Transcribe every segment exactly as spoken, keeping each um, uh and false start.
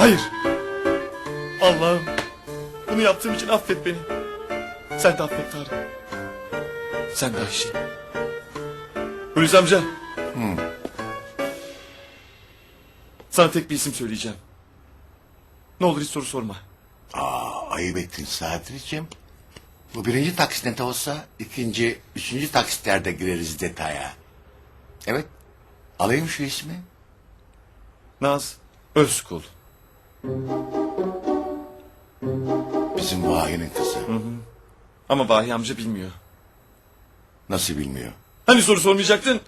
Hayır. Allah'ım. Bunu yaptığım için affet beni. Sen de affet Tarık. Sen de Ayşe. Hulusi amca. Sana tek bir isim söyleyeceğim. Ne olur hiç soru sorma. Aa, ayıp ettin Sadri'cim. Bu birinci taksit olsa ikinci, üçüncü taksitlerde gireriz detaya. Evet. Alayım şu ismi. Naz Özkul. Bizim Vahi'nin kızı. Ama Vahiy amca bilmiyor. Nasıl bilmiyor? Hani soru sormayacaktın?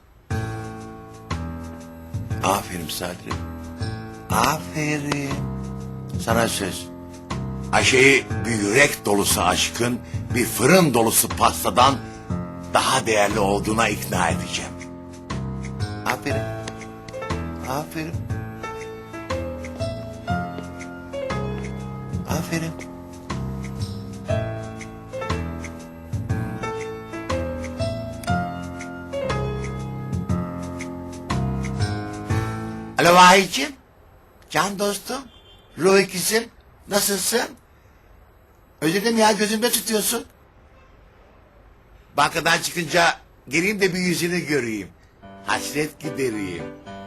Aferin Sadri. Aferin. Sana söz. Ayşe'yi bir yürek dolusu aşkın, bir fırın dolusu pastadan daha değerli olduğuna ikna edeceğim. Aferin. Aferin. Aferin. Alo Vahiy'cim. Can dostum. Ruh ikizim. Nasılsın? Özledim ya, gözümde tutuyorsun. Bankadan çıkınca geleyim de bir yüzünü göreyim. Hasret gidereyim.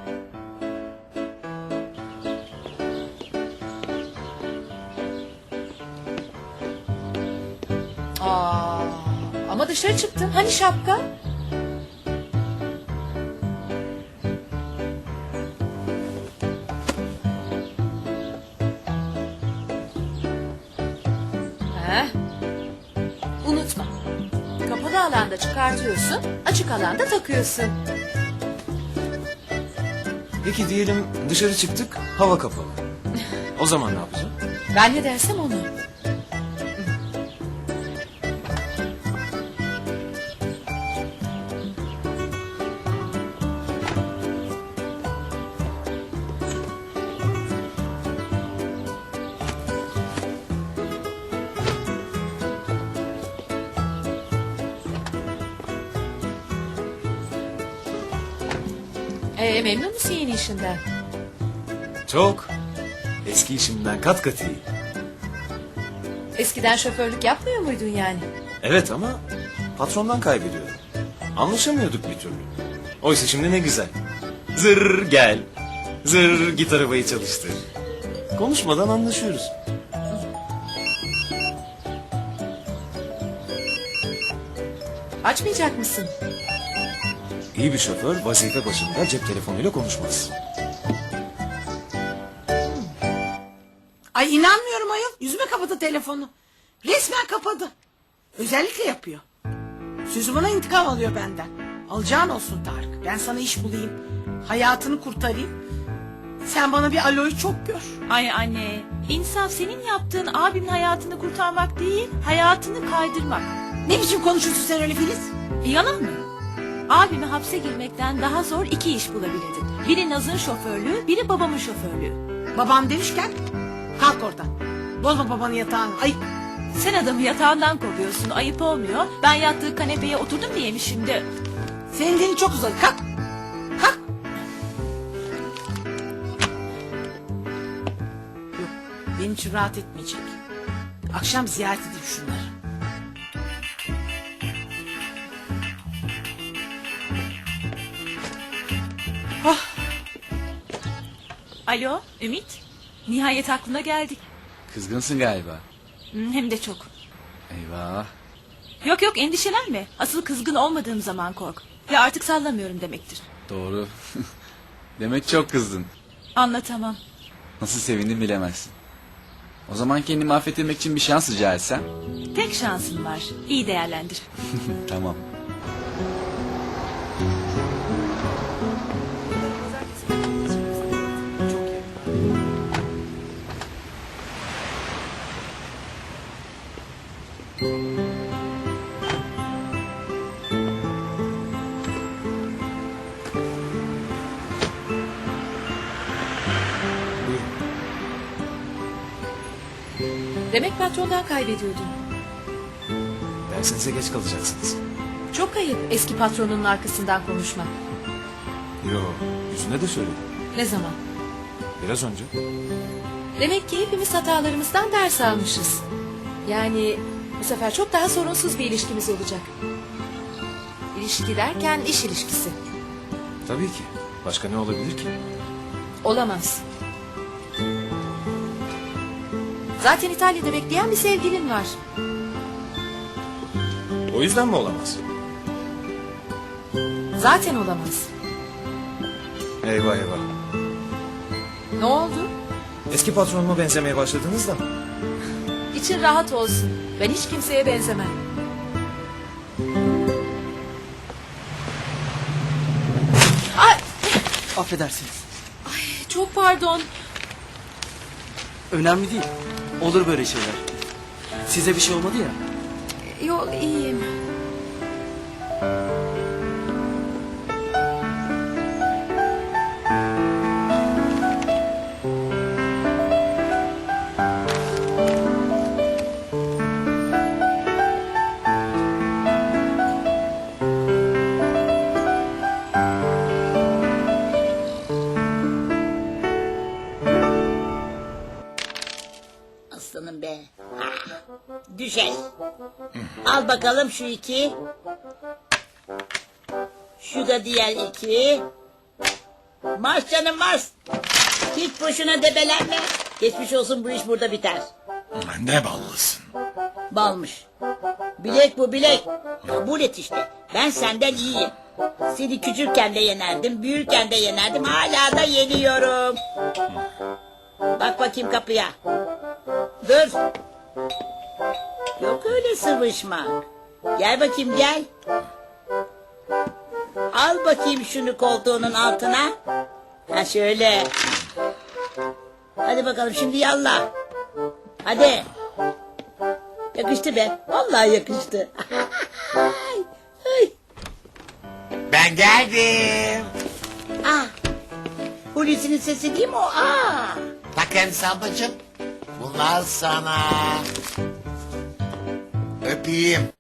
Aa, ama dışarı çıktın. Hani şapka? Heh. Unutma. Kapalı alanda çıkartıyorsun, açık alanda takıyorsun. Peki diyelim dışarı çıktık, hava kapalı. O zaman ne yapacağım? Ben ne dersem onu. Ee, memnun musun yeni işinden? Çok. Eski işimden kat kat iyi. Eskiden şoförlük yapmıyor muydun yani? Evet ama patrondan kaybediyorum. Anlaşamıyorduk bir türlü. Oysa şimdi ne güzel. Zır gel. Zır git arabayı çalıştır. Konuşmadan anlaşıyoruz. Açmayacak mısın? İyi bir şoför vazife başında cep telefonuyla konuşmaz. Ay inanmıyorum ayol. Yüzüme kapadı telefonu. Resmen kapadı. Özellikle yapıyor. Sözü bana intikam alıyor benden. Alacağın olsun Tarık. Ben sana iş bulayım. Hayatını kurtarayım. Sen bana bir aloyu çok gör. Ay anne, insaf senin yaptığın abimin hayatını kurtarmak değil, hayatını kaydırmak. Ne biçim konuşuyorsun sen öyle Filiz? E, yalan mı? Abime hapse girmekten daha zor iki iş bulabilirdin. Biri Naz'ın şoförlüğü, biri babamın şoförlüğü. Babam demişken kalk oradan. Bozma babanın yatağını. Ayıp. Sen adamı yatağından kovuyorsun, ayıp olmuyor. Ben yattığı kanepeye oturdum diye mi şimdi? Senin dilin çok uzadı. Kalk. Kalk. Yok, benim için rahat etmeyecek. Akşam ziyaret edeyim şunları. Alo, Ümit. Nihayet aklına geldik. Kızgınsın galiba. Hmm, Hem de çok. Eyvah. Yok yok endişelenme. Asıl kızgın olmadığım zaman kork. Ve artık sallamıyorum demektir. Doğru. Demek çok kızdın. Anlatamam. Nasıl sevindim bilemezsin. O zaman kendimi affettirmek için bir şans rica etsem. Tek şansın var. İyi değerlendir. Tamam. Demek patrondan kaybediyordun. Dersinize geç kalacaksınız. Çok ayıp eski patronunun arkasından konuşmak. Yo, yüzüne de söyledim. Ne zaman? Biraz önce. Demek ki hepimiz hatalarımızdan ders almışız. Yani bu sefer çok daha sorunsuz bir ilişkimiz olacak. İlişki derken iş ilişkisi. Tabii ki. Başka ne olabilir ki? Olamaz. Zaten İtalya'da bekleyen bir sevgilin var. O yüzden mi olamaz? Zaten olamaz. Eyvah eyvah. Ne oldu? Eski patronuma benzemeye başladınız da. İçin rahat olsun. Ben hiç kimseye benzemem. Ay, Affedersiniz. çok pardon. Önemli değil. Olur böyle şeyler. Size bir şey olmadı ya. Yok, iyiyim. Aslanım be. Ah, düşer. Al bakalım şu iki. Şu da diğer iki. Marş canım marş. Hiç boşuna debelenme. Geçmiş olsun, bu iş burada biter. Ne ballısın. Balmış. Bilek bu bilek. Kabul et işte. Ben senden iyiyim. Seni küçükken de yenerdim, büyürken de yenerdim. Hala da yeniyorum. Bak bakayım kapıya. Dur. Yok öyle sıvışmak. Gel bakayım gel. Al bakayım şunu koltuğunun altına. Ha şöyle. Hadi bakalım şimdi yallah. Hadi. Yakıştı be. Vallahi yakıştı. Ay, ay. Ben geldim. Ah. Hulusi'nin sesi değil mi o? Aa. Bakın Sabbacığım. Bunlar sana. Öpeyim.